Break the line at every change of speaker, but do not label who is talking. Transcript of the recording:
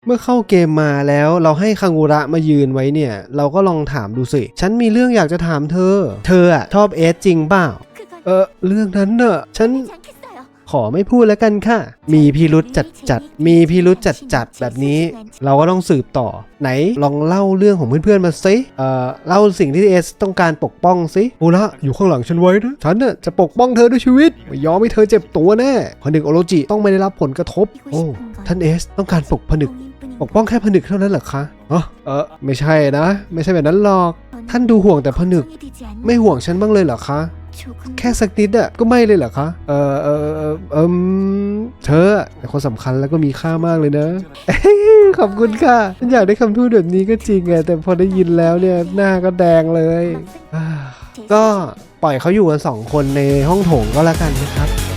มื่อเข้าเกมมาแล้วเราให้คังุระมายืนไว้เนี่ยเราก็ลองถามดูสิฉันมีเรื่องอยากจะถามเธออะชอบเอสจริงเปล่าเรื่องนั้นเนอะฉันขอไม่พูดแล้วกันค่ะมีพิรุษจัดมีพิรุษจัดแบบนี้เราก็ต้องสืบต่อไหนลองเล่าเรื่องของเพื่อนๆมาสิเล่าสิ่งที่เอสต้องการปกป้องสิโอละอยู่ข้างหลังฉันไว้นะฉันน่ะจะปกป้องเธอด้วยชีวิตไม่ยอมให้เธอเจ็บตัวแน่ผนึกโอโรจิต้องไม่ได้รับผลกระทบโอ้ท่านเอสต้องการผนึกปกป้องแค่ผนึกเท่านั้นเหรอคะไม่ใช่นะไม่ใช่แบบนั้นหรอกท่านดูห่วงแต่ผนึกไม่ห่วงฉันบ้างเลยเหรอคะแค่สักนิดก็ไม่เลยเหรอคะเธอเป็นคนสำคัญแล้วก็มีค่ามากเลยนะ ขอบคุณค่ะฉันอยากได้คำพูดแบบนี้ก็จริงไงแต่พอได้ยินแล้วเนี่ยหน้าก็แดงเลยก็ปล่อยเขาอยู่กัน2 คนในห้องโถงก็แล้วกันนะครับ